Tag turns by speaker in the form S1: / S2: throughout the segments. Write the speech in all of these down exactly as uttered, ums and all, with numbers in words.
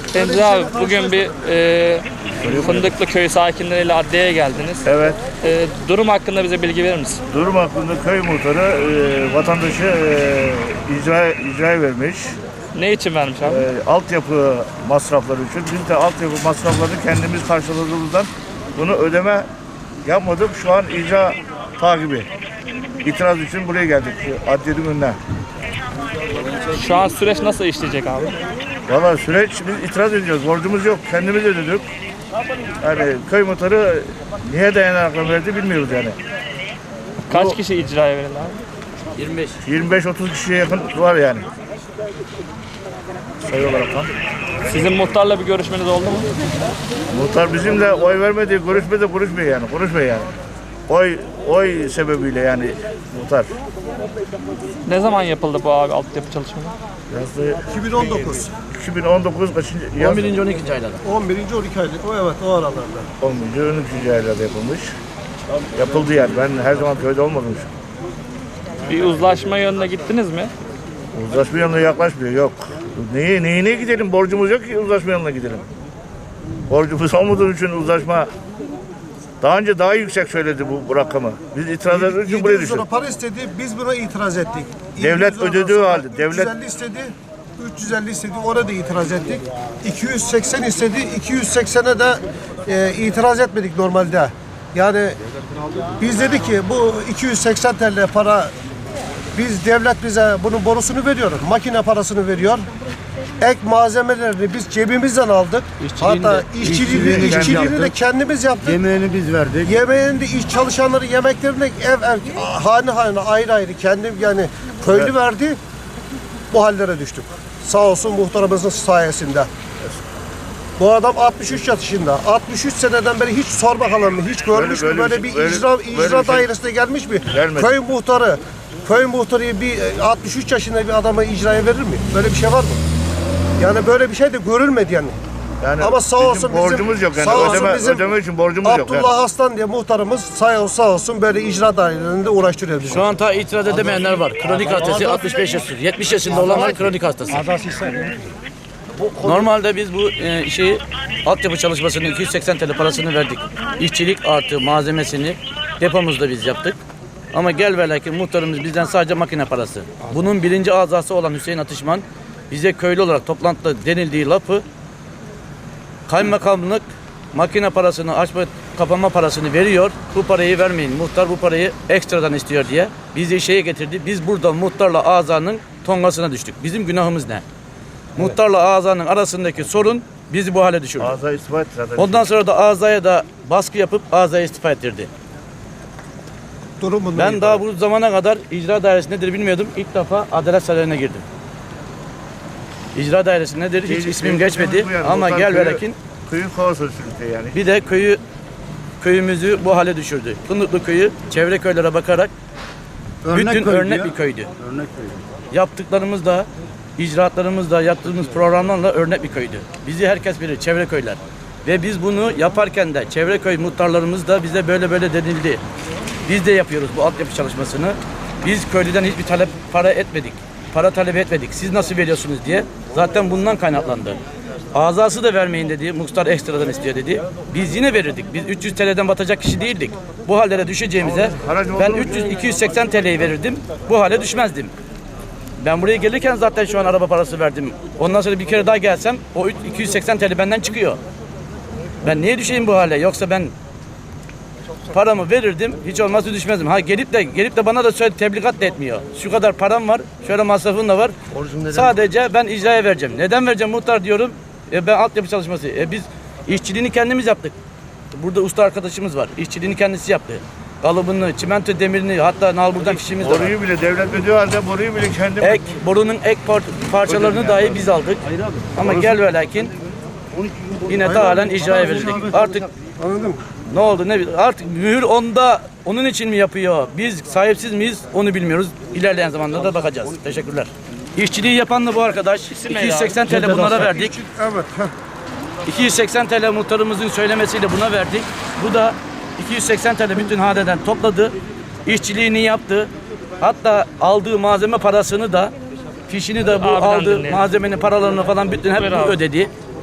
S1: Deniz abi bugün bir e, Fındıklı köy sakinleriyle adliyeye geldiniz.
S2: Evet.
S1: E, durum hakkında bize bilgi verir misin?
S2: Durum hakkında köy muhtarı e, vatandaşı e, icra icraya vermiş.
S1: Ne için vermiş abi?
S2: E, altyapı masrafları için. Biz de altyapı masraflarını kendimiz karşıladığımızdan bunu ödeme yapmadık. Şu an icra takibi. İtiraz için buraya geldik. Adliyenin önüne.
S1: Şu an süreç nasıl işleyecek abi?
S2: Valla süreç biz itiraz ediyoruz. Borcumuz yok. Kendimiz ödedik. Yani köy muhtarı niye dayanakla verdi bilmiyoruz yani.
S1: Kaç
S2: Bu-
S1: kişi icraya verildi abi?
S3: yirmi beş.
S2: yirmi beş otuz kişiye yakın var yani. Sayı olarak tam.
S1: Sizin muhtarla bir görüşmeniz oldu mu?
S2: Muhtar bizimle oy vermedi, görüşmedi, konuşmuyor yani. Konuşmuyor yani. Oy oy sebebiyle yani muhtar.
S1: Ne zaman yapıldı bu abi altyapı çalışmaları?
S2: Yazdı
S4: iki bin on dokuz.
S2: iki bin on dokuz kaçıncı yaz?
S3: on birinci on ikinci aylarda.
S4: on birinci on iki aylık. O evet o aralarda.
S2: on birinci on ikinci aylarda yapılmış. Yapıldı yani. Ben her zaman köyde olmadım.
S1: Bir uzlaşma yönüne gittiniz mi?
S2: Uzlaşma yanına yaklaşmıyor. Yok. Neye, neyine gidelim? Borcumuz yok ki uzlaşma yanına gidelim. Borcumuz olmadığı için uzlaşma daha önce daha yüksek söyledi bu, bu rakamı. Biz itiraz ettiğimiz için buraya
S4: yedi yüz lira
S2: düştük.
S4: para istedi. Biz buna itiraz ettik.
S2: Devlet
S4: yedi yüz
S2: ödediği
S4: sonra
S2: halde, devlet-
S4: üç yüz elli istedi. üç yüz elli istedi. Orada da itiraz ettik. iki yüz seksen istedi. iki yüz seksene de e, itiraz etmedik normalde. Yani biz dedik ki bu iki yüz seksen T L para biz devlet bize bunun borusunu veriyor. Makine parasını veriyor. Ek malzemelerini biz cebimizden aldık.
S3: İşçiliğini
S4: Hatta
S3: de-
S4: işçiliğini,
S2: işçiliğini
S4: işçiliğini,
S2: kendi
S4: de
S2: yaptık.
S4: kendimiz yaptık.
S2: Yemeğini biz verdik.
S4: Yemeğinde iş çalışanları yemeklerini ev ev hane hane ayrı ayrı kendim yani köylü
S2: Evet.
S4: verdi. Bu hallere düştük. Sağ olsun muhtarımızın sayesinde. Bu adam altmış üç yaşında. altmış üç seneden beri hiç sor bakalım mı? Hiç görmüş
S2: Böyle-
S4: mü?
S2: böyle
S4: Böyle
S2: bir
S4: bir
S2: şey- böyle-
S4: icra,
S2: böyle
S4: icra
S2: bir şey
S4: dairesine gelmiş mi?
S2: gelmedi.
S4: Köy muhtarı köy muhtarı bir altmış üç yaşında bir adama icraya verir mi? Böyle bir şey var mı? Yani böyle bir şey de görülmedi yani.
S2: Yani
S4: Ama sağ
S2: bizim
S4: olsun
S2: borcumuz
S4: bizim,
S2: yok yani.
S4: sağ olsun
S2: Ödeme,
S4: bizim
S2: ödeme için borcumuz yok.
S4: Abdullah Aslan diye muhtarımız sağ, sağ olsun böyle icra dairelerinde uğraştırıyor bizi.
S3: Şu an ta itiraz edemeyenler var. Kronik hastası altmış beş yaş, yetmiş yaşında olanlar kronik hastası. Normalde biz bu e, şeyi altyapı çalışmasının iki yüz seksen T L parasını verdik. İşçilik artı malzemesini depomuzda biz yaptık. Ama gel ve lakin muhtarımız bizden sadece makine parası. Bunun birinci azası olan Hüseyin Atışman bize köylü olarak toplantıda denildiği lafı kaymakamlık makine parasını açma kapama parasını veriyor. Bu parayı vermeyin. Muhtar bu parayı ekstradan istiyor diye bizi şeye getirdi. Biz burada muhtarla azanın tongasına düştük. Bizim günahımız ne? Muhtarla azanın arasındaki sorun bizi bu hale düşürdü.
S2: Ağza istifa etti zaten.
S3: Ondan sonra da azaya da baskı yapıp azaya istifa ettirdi.
S4: Durum bundan
S3: Ben
S4: ibaret.
S3: daha bu zamana kadar icra dairesi nedir bilmiyordum. İlk defa Adalet Sarayı'na girdim. İcra dairesi nedir hiç
S2: Şey-
S3: ismim
S2: şey-
S3: geçmedi
S2: bu yani,
S3: ama
S2: muhtar
S3: gel ve
S2: köyü-
S3: lakin
S2: Köyün kaosu sürüklüyor yani.
S3: bir de köyü köyümüzü bu hale düşürdü. Fındıklı köyü çevre köylere bakarak bütün örnek bir köydü.
S4: Örnek köy.
S3: Yaptıklarımız da icraatlarımız da yaptığımız programlarla örnek bir köydü. Bizi herkes bilir çevre köyler. Ve biz bunu yaparken de çevre köy muhtarlarımız da bize böyle böyle denildi. Biz de yapıyoruz bu altyapı çalışmasını. Biz köylüden hiçbir talep para etmedik. Para talep etmedik. Siz nasıl veriyorsunuz diye. Zaten bundan kaynaklandı. Azası da vermeyin dedi. Muhtar ekstradan istiyor dedi. Biz yine verirdik. Biz üç yüz T L'den batacak kişi değildik. Bu hallere düşeceğimize ben üç yüz iki yüz seksen T L'yi verirdim. Bu hale düşmezdim. Ben buraya gelirken zaten şu an araba parası verdim. Ondan sonra bir kere daha gelsem o iki yüz seksen T L benden çıkıyor. Ben niye düşeyim bu hale? Yoksa ben paramı verirdim, hiç olmazsa düşmezdim. Ha gelip de gelip de bana da söyle tebligat da etmiyor. Şu kadar param var, şöyle masrafın da var. Sadece ben icraya vereceğim. Neden vereceğim muhtar diyorum? E ben altyapı çalışması. E biz işçiliğini kendimiz yaptık. Burada usta arkadaşımız var. İşçiliğini kendisi yaptı. Kalıbını, çimento demirini, hatta nalburdan fişimiz de var.
S2: Boruyu bile devlet ödüyor halde boruyu bile kendim.
S3: Ek, borunun ek par- parçalarını dahi biz aldık. Ama gel ve lakin yine de halen icraya verildik. Artık
S4: Anladın mı?
S3: ne oldu ne bil- artık mühür onda onun için mi yapıyor? Biz sahipsiz miyiz? Onu bilmiyoruz. İlerleyen zamanlarda bakacağız. Teşekkürler. İşçiliği yapan da bu arkadaş. iki yüz seksen T L bunlara verdik.
S4: Evet. heh.
S3: iki yüz seksen T L muhtarımızın söylemesiyle buna verdik. Bu da iki yüz seksen T L bütün haneden topladı. İşçiliğini yaptı. Hatta aldığı malzeme parasını da fişini de bu
S1: Abiden
S3: aldığı
S1: dinleyelim.
S3: malzemenin paralarını falan bütün hep
S1: Buyur
S3: bu
S1: abi.
S3: ödedi.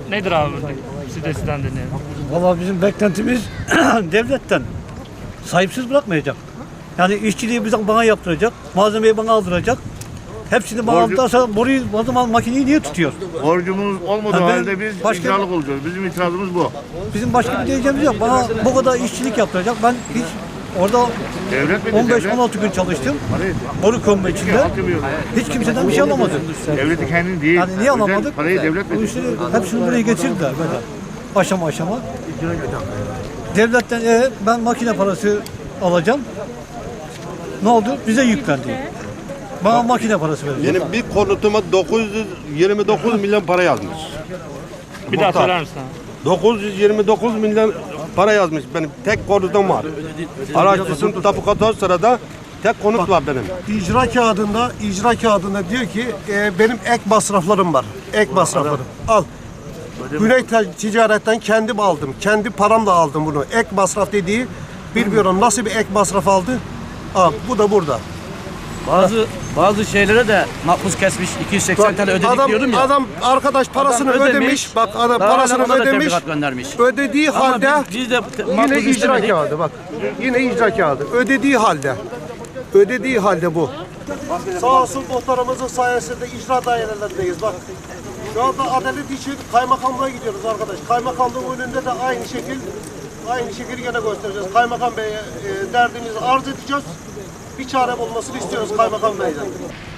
S1: nedir abi? Siz de sizden dinleyelim.
S5: Valla bizim beklentimiz devletten sahipsiz bırakmayacak. Yani işçiliği bize bana yaptıracak, malzemeyi bana aldıracak. Hepsini bana
S2: Borcu-
S5: aldırırsa boruyu, o zaman makineyi niye tutuyor?
S2: Borcumuz olmadığı
S5: Ha, ben
S2: halde biz
S5: başka-
S2: icralık olacağız. Bizim itirazımız bu.
S5: Bizim başka bir diyeceğimiz yok. Bana bu kadar işçilik yaptıracak. Ben hiç orada
S2: Devlet mi?
S5: on beş
S2: Devlet.
S5: on altı gün çalıştım.
S2: Parayı-
S5: Boru kömbe içinde.
S2: Hatırlıyorum.
S5: Hiç kimseden bir şey alamadım.
S2: Devleti kendin değil.
S5: Yani niye
S2: Özel
S5: alamadık?
S2: Parayı devlet
S5: Bu
S2: veriyor.
S5: işleri hepsini buraya getirdiler böyle. Aşama aşama. Devletten e, ben makine parası alacağım. Ne oldu? Bize yüklendi. Bana makine parası verecek.
S6: Benim bir konutuma dokuz yüz yirmi dokuz milyon para yazmış.
S1: Bir daha
S6: Muhtar.
S1: söyler misin abi?
S6: dokuz yüz yirmi dokuz milyon para yazmış benim. Tek konutum var. Araştırsın tapu katı sırada tek konut var benim.
S4: İcra kağıdında, icra kağıdında diyor ki e, benim ek masraflarım var. Ek masraflarım. Al. Güney Ticaret'ten kendim aldım. Kendi paramla aldım bunu. Ek masraf dediği bilmiyorum nasıl bir ek masraf aldı. Al, bu da burada.
S3: Bazı bazı şeylere de makbuz kesmiş iki yüz seksen
S4: Bak,
S3: tane ödedik
S4: adam,
S3: diyordum ya.
S4: adam arkadaş parasını
S3: Adam ödemiş,
S4: ödemiş. Bak adam
S3: daha
S4: parasını
S3: hala ona da
S4: ödemiş.
S3: tebligat göndermiş.
S4: Ödediği
S3: Ama
S4: halde
S3: biz, biz de
S4: yine
S3: makbuz
S4: icra
S3: istemedik.
S4: kağıdı bak. Yine icra kağıdı. Ödediği halde. Ödediği halde bu. Sağ olsun muhtarımızın sayesinde icra dairelerindeyiz bak. Şu anda adalet için kaymakamlığa gidiyoruz arkadaş. Kaymakamlığın önünde de aynı şekil aynı şekil gene göstereceğiz. Kaymakam Bey'e e, derdimizi arz edeceğiz. Bir çare bulmasını istiyoruz Kaymakam Bey'den.